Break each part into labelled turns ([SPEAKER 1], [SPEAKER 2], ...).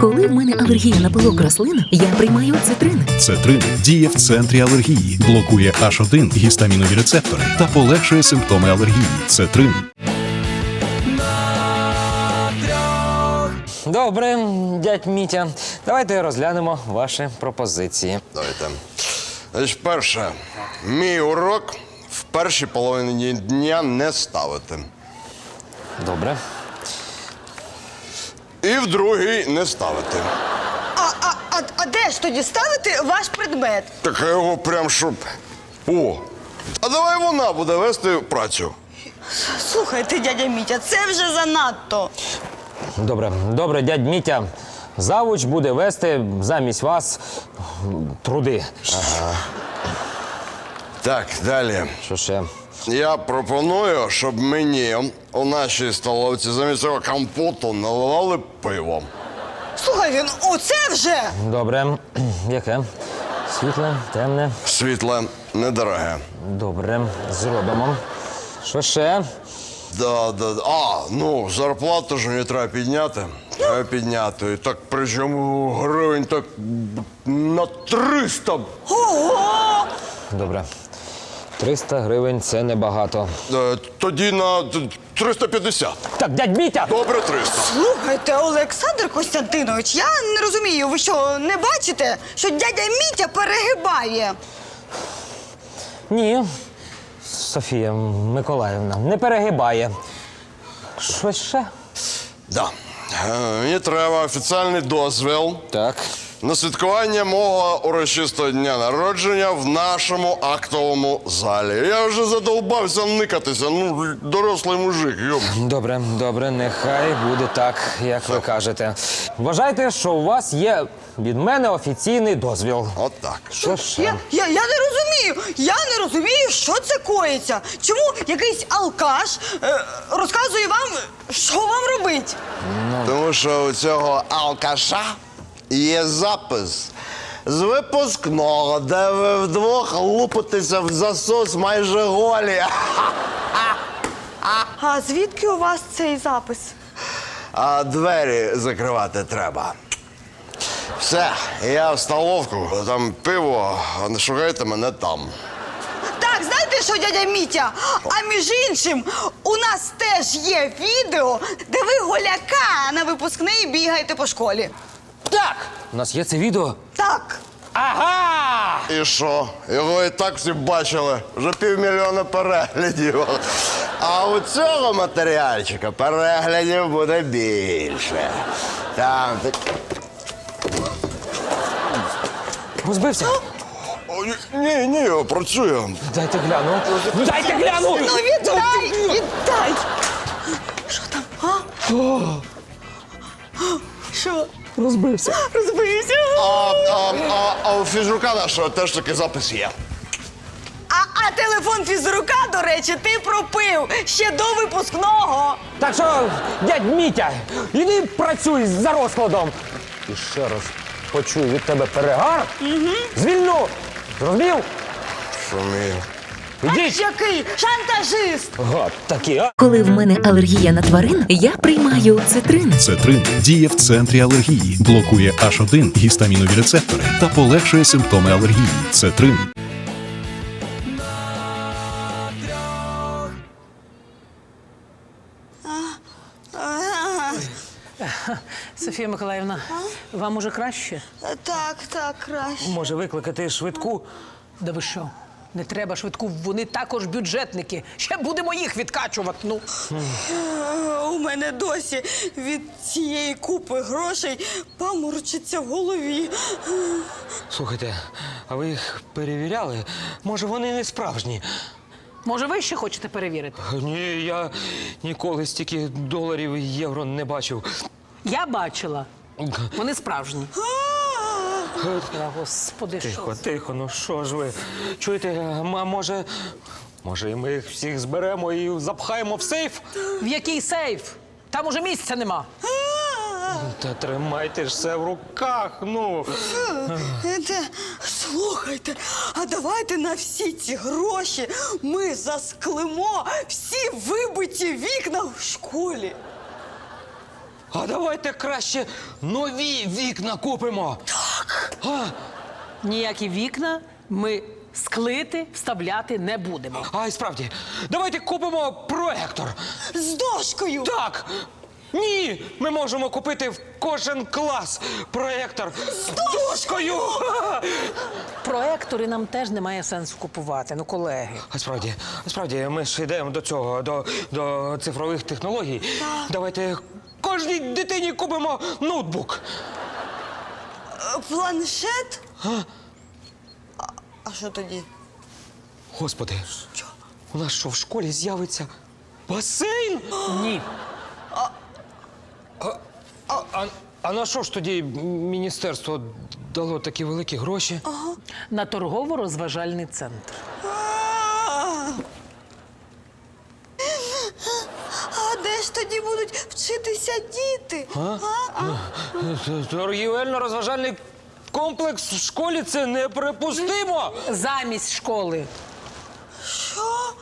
[SPEAKER 1] Коли в мене алергія на пилок рослин, я приймаю цитрин.
[SPEAKER 2] Цетрин діє в центрі алергії, блокує H1 гістамінові рецептори та полегшує симптоми алергії. Цетрин.
[SPEAKER 3] Добре, дядь Мітя. Давайте розглянемо ваші пропозиції.
[SPEAKER 4] Давайте. Значить, перше. Мій урок в першій половині дня не ставити.
[SPEAKER 3] Добре.
[SPEAKER 4] І в другій не ставити.
[SPEAKER 5] А де ж тоді ставити ваш предмет?
[SPEAKER 4] Так я його прям щоб... О! А давай вона буде вести працю.
[SPEAKER 5] Слухайте, дядя Мітя, це вже занадто.
[SPEAKER 3] Добре, дядь Мітя. Завуч буде вести замість вас труди.
[SPEAKER 4] Так, далі.
[SPEAKER 3] Що ще?
[SPEAKER 4] Я пропоную, щоб мені у нашій столовці замість цього компоту наливали пиво.
[SPEAKER 5] Слухайте, ну оце вже!
[SPEAKER 3] Добре. Яке? Світле, темне.
[SPEAKER 4] Світле, недороге.
[SPEAKER 3] Добре, зробимо. Що ще?
[SPEAKER 4] Да. Ну, зарплату ж мені треба підняти. Треба підняти. І так, причому гривень так на 300.
[SPEAKER 5] Ого!
[SPEAKER 3] Добре. 300 гривень – це небагато.
[SPEAKER 4] Тоді на 350.
[SPEAKER 3] Так, дядь Мітя!
[SPEAKER 4] Добре, 300.
[SPEAKER 5] Слухайте, Олександр Костянтинович, я не розумію, ви що, не бачите, що дядя Мітя перегибає?
[SPEAKER 3] Ні, Софія Миколаївна, не перегибає. Щось ще?
[SPEAKER 4] Да. Мені треба офіційний дозвіл
[SPEAKER 3] Так.
[SPEAKER 4] на святкування мого урочистого дня народження в нашому актовому залі. Я вже задовбався никатися, ну, дорослий мужик, йом.
[SPEAKER 3] Добре, нехай буде так, як ви кажете. Вважайте, що у вас є від мене офіційний дозвіл.
[SPEAKER 4] От так.
[SPEAKER 3] Що ще?
[SPEAKER 5] Я не розумію, що це коїться. Чому якийсь алкаш розказує вам, що вам робить?
[SPEAKER 4] Тому що у цього алкаша є запис з випускного, де ви вдвох лупитеся в засос майже голі.
[SPEAKER 5] А звідки у вас цей запис?
[SPEAKER 4] А двері закривати треба. Все, я в столовку, там пиво, а не шукайте мене там.
[SPEAKER 5] Так, знаєте що, дядя Мітя? А між іншим, у нас теж є відео, де ви голяка на випускний бігаєте по школі.
[SPEAKER 3] Так! У нас є це відео?
[SPEAKER 5] Так.
[SPEAKER 3] Ага!
[SPEAKER 4] І що? Його і так всі бачили. Вже 500 000 переглядів. А у цього матеріальчика переглядів буде більше. Там...
[SPEAKER 3] Розбився?
[SPEAKER 4] Ні, працює.
[SPEAKER 3] Дайте гляну. Дайте гляну!
[SPEAKER 5] Ну віддай! Що там, а? Що?
[SPEAKER 3] Розбився.
[SPEAKER 5] Розбився?
[SPEAKER 4] А у фізрука нашого теж такий запис є.
[SPEAKER 5] А телефон фізрука, до речі, ти пропив ще до випускного.
[SPEAKER 3] Так що, дядь Мітя, іди працюй за розкладом. І ще раз почую від тебе перегар. Звільну. Зрозумів?
[SPEAKER 4] Шумію.
[SPEAKER 3] Ідіть.
[SPEAKER 5] Який шантажист!
[SPEAKER 3] Гад такий, а?
[SPEAKER 1] Коли в мене алергія на тварин, я приймаю цитрин.
[SPEAKER 2] Цетрин діє в центрі алергії, блокує H1 гістамінові рецептори та полегшує симптоми алергії. Цетрин.
[SPEAKER 6] Софія Миколаївна, вам уже краще?
[SPEAKER 5] Так, краще.
[SPEAKER 6] Може викликати швидку? Да ви що? Не треба швидку, вони також бюджетники. Ще будемо їх відкачувати, ну.
[SPEAKER 5] У мене досі від цієї купи грошей паморочиться в голові.
[SPEAKER 3] Слухайте, а ви їх перевіряли? Може, вони не справжні?
[SPEAKER 6] Може, ви ще хочете перевірити?
[SPEAKER 3] Ні, я ніколи стільки доларів і євро не бачив.
[SPEAKER 6] Я бачила. Вони справжні. Господи, що?
[SPEAKER 3] Тихо, ну що ж ви? Чуєте, може і ми їх всіх зберемо і запхаємо в сейф?
[SPEAKER 6] В який сейф? Там уже місця нема.
[SPEAKER 3] Та тримайте ж все в руках, ну.
[SPEAKER 5] Слухайте, а давайте на всі ці гроші ми засклимо всі вибиті вікна в школі.
[SPEAKER 3] А давайте краще нові вікна купимо.
[SPEAKER 6] Ніякі вікна ми склити, вставляти не будемо.
[SPEAKER 3] А й справді, давайте купимо проектор.
[SPEAKER 5] З дошкою!
[SPEAKER 3] Так! Ні! Ми можемо купити в кожен клас проектор з дошкою!
[SPEAKER 6] Проектори нам теж немає сенсу купувати, ну, колеги.
[SPEAKER 3] А справді, ми ж йдемо до цього, до цифрових технологій. Давайте кожній дитині купимо ноутбук.
[SPEAKER 5] Планшет? А що тоді?
[SPEAKER 3] Господи, у нас що, в школі з'явиться басейн?
[SPEAKER 6] Ні.
[SPEAKER 3] А на що ж тоді міністерство дало такі великі гроші?
[SPEAKER 6] На торгово-розважальний центр.
[SPEAKER 5] А де ж тоді будуть вчитися діти?
[SPEAKER 3] Торгівельно-розважальний комплекс в школі – це неприпустимо!
[SPEAKER 6] Замість школи.
[SPEAKER 5] Що?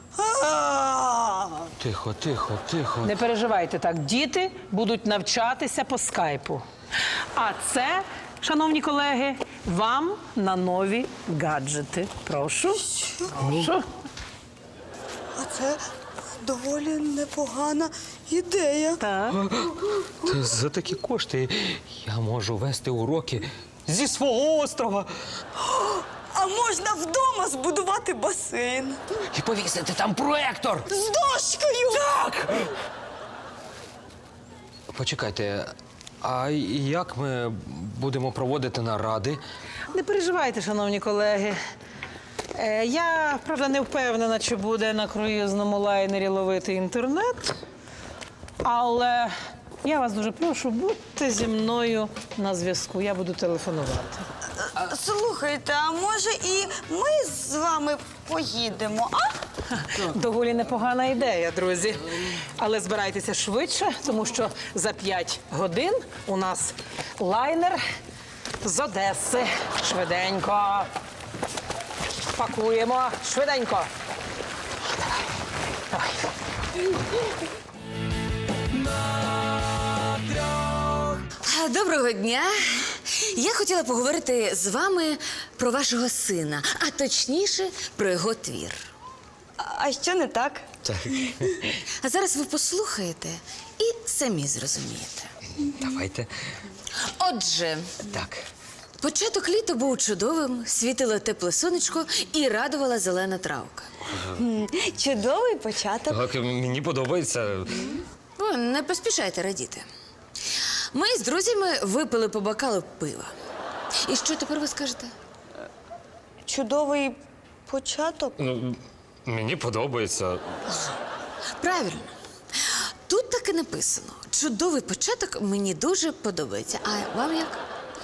[SPEAKER 3] Тихо, тихо, тихо.
[SPEAKER 6] Не переживайте так, діти будуть навчатися по скайпу. А це, шановні колеги, вам на нові гаджети. Прошу. Прошу.
[SPEAKER 5] А це доволі непогана ідея.
[SPEAKER 6] Так.
[SPEAKER 3] Та за такі кошти я можу вести уроки зі свого острова
[SPEAKER 5] А можна вдома збудувати басейн.
[SPEAKER 3] і повісити там проектор.
[SPEAKER 5] З дошкою!
[SPEAKER 3] Так! Почекайте, а як ми будемо проводити наради?
[SPEAKER 6] Не переживайте, шановні колеги. Я, правда, не впевнена, чи буде на круїзному лайнері ловити інтернет. Але я вас дуже прошу, будьте зі мною на зв'язку. Я буду телефонувати.
[SPEAKER 5] Слухайте, а може і ми з вами поїдемо, а?
[SPEAKER 6] Доволі непогана ідея, друзі. Але збирайтеся швидше, тому що за 5 годин у нас лайнер з Одеси. Швиденько. Пакуємо. Швиденько. Давай.
[SPEAKER 1] Доброго дня. Я хотіла поговорити з вами про вашого сина, а точніше про його твір.
[SPEAKER 5] А що не так?
[SPEAKER 1] А зараз ви послухаєте і самі зрозумієте.
[SPEAKER 3] Давайте.
[SPEAKER 1] Отже,
[SPEAKER 3] Так.
[SPEAKER 1] початок літа був чудовим, світило тепле сонечко і радувала зелена травка.
[SPEAKER 5] Чудовий початок.
[SPEAKER 3] Так, мені подобається.
[SPEAKER 1] Ви не поспішайте радіти. Ми з друзями випили по бокалу пива. І що тепер ви скажете?
[SPEAKER 5] Чудовий початок?
[SPEAKER 3] Ну, мені подобається.
[SPEAKER 1] Правильно. Тут так і написано. Чудовий початок мені дуже подобається. А вам як?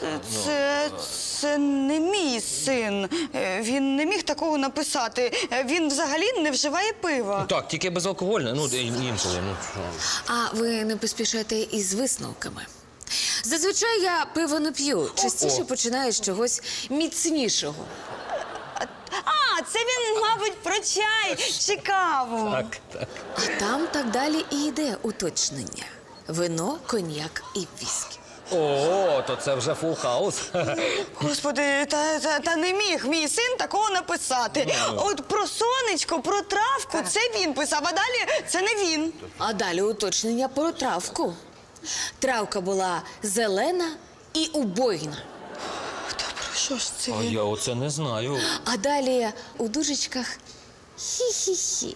[SPEAKER 5] Це не мій син. Він не міг такого написати. Він взагалі не вживає пива.
[SPEAKER 3] Так, тільки безалкогольне, ну, інколи. Ну.
[SPEAKER 1] А ви не поспішайте із висновками. Зазвичай я пиво не п'ю. Частіше починаю з чогось міцнішого.
[SPEAKER 5] А, це він, мабуть, про чай чи каву.
[SPEAKER 3] Так.
[SPEAKER 1] А там так далі і йде уточнення. Вино, коньяк і віскі.
[SPEAKER 3] О, то це вже фул хаус.
[SPEAKER 5] Господи, та не міг мій син такого написати. От про сонечко, про травку це він писав, а далі це не він.
[SPEAKER 1] А далі уточнення про травку. Травка була зелена і убойна.
[SPEAKER 5] Та про що ж це
[SPEAKER 3] А
[SPEAKER 5] він?
[SPEAKER 3] я оце не знаю.
[SPEAKER 1] А далі у дужечках хі-хі-хі.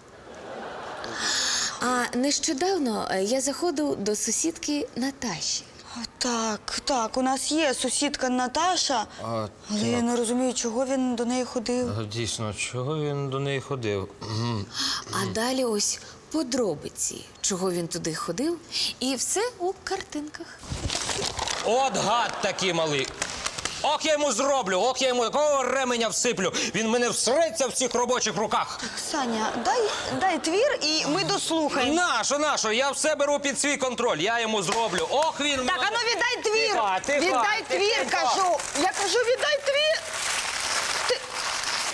[SPEAKER 1] А нещодавно я заходив до сусідки Наташі.
[SPEAKER 5] Так, у нас є сусідка Наташа, але я не розумію, чого він до неї ходив.
[SPEAKER 3] Дійсно, чого він до неї ходив?
[SPEAKER 1] А далі ось подробиці, чого він туди ходив, і все у картинках.
[SPEAKER 3] От гад такий малий. Ох, я йому зроблю, ох, я йому такого ременя всиплю. Він мене всреться в цих робочих руках.
[SPEAKER 5] Саня, дай твір і ми дослухаємо.
[SPEAKER 3] Нащо? Я все беру під свій контроль. Я йому зроблю. Ох, він...
[SPEAKER 5] Так, ану віддай твір!
[SPEAKER 3] Тихо,
[SPEAKER 5] Віддай твір,
[SPEAKER 3] тихо.
[SPEAKER 5] кажу! Я кажу, віддай твір!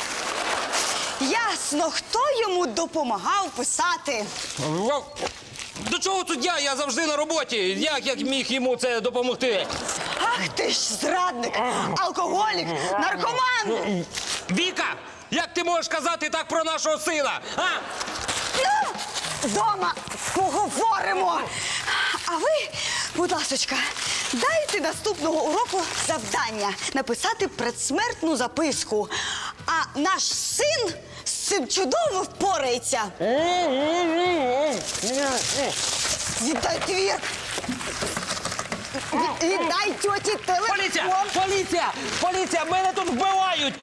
[SPEAKER 5] Ясно, хто йому допомагав писати.
[SPEAKER 3] До чого тут я? Я завжди на роботі. Як міг йому це допомогти?
[SPEAKER 5] Ах ти ж зрадник, алкоголік, наркоман!
[SPEAKER 3] Віка! Як ти можеш казати так про нашого сина? А?
[SPEAKER 5] Дома поговоримо. А ви, будь ласочка, дайте наступного уроку завдання написати предсмертну записку. А наш син з цим чудово впорається. Віддай твір. Віддай тьоті телефон.
[SPEAKER 3] Поліція! Поліція! Поліція! Мене тут вбивають!